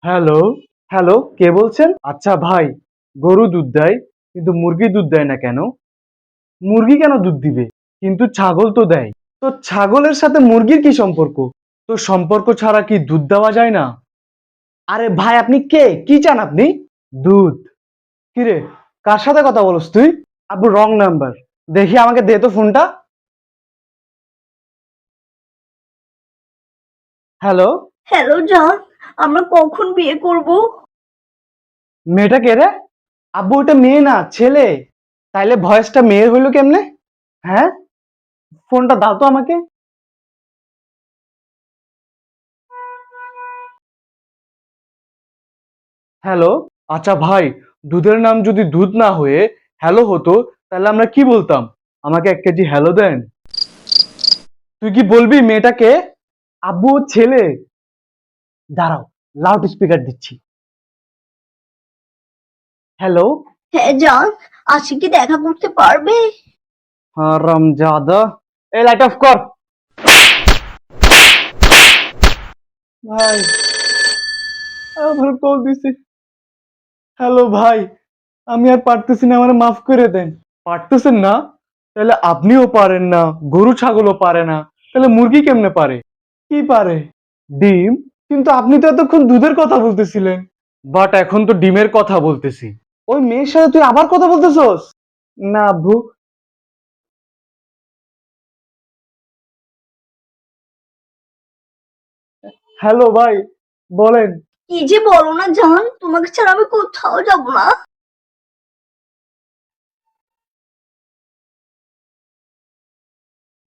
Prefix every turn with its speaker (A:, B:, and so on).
A: Hello. Hello, কে বলছেন? আচ্ছা ভাই, গরু দুধ দেয় কিন্তু মুরগি দুধ দেয় না কেন? মুরগি কেন দুধ দিবে? কিন্তু ছাগল তো দেয়। তো ছাগলের সাথে মুরগির কি সম্পর্ক? তো সম্পর্ক ছাড়া কি দুধ দেওয়া যায় না? আরে ভাই, আপনি কে? কি চান আপনি? দুধ। কিরে, কার সাথে কথা বলস তুই? আব্বু, রং নাম্বার। দেখি, আমাকে দে তো ফোনটা। হ্যালো।
B: হ্যালো জান, আমরা কখন বিয়ে করব?
A: মেয়েটা কে রে? আব্বু, ওটা মেয়ে না, ছেলে। তাইলে ভয়েসটা মেয়ের হইলো কেমনে? হ্যাঁ, ফোনটা দাও তো আমাকে। হ্যালো। আচ্ছা ভাই, দুধের নাম যদি দুধ না হয়ে হ্যালো হতো, তাহলে আমরা কি বলতাম? আমাকে 1 কেজি হ্যালো দেন। তুই কি বলবি মেয়েটাকে? আব্বু, ও ছেলে। দাঁড়াও, লাউড স্পিকার দিচ্ছি। হ্যালো।
B: হ্যাঁ জান, আজকে কি দেখা করতে পারবে?
A: হারামজাদা। এই লাইট অফ কর। ভাই, আমার কল দিছে। হ্যালো ভাই, আমি আর পারতেছি না, আমার মাফ করে দেন। পারতেছেন না? তাহলে আপনিও পারেন না, গরু ছাগলও পারে না, তাহলে মুরগি কেমনে পারে? কি পারে? ডিম? কিন্তু আপনি তো এতক্ষণ দুধের কথা বলতেছিলেন। বাট এখন তো ডিমের কথা বলতেছি। ওই মেয়ের সাথে তুই আবার কথা বলতেছস? না আব্বু। হ্যালো ভাই, বলেন।
B: কি যে বলো না জান, তোমাকে ছাড়া আমি কোথাও যাব না।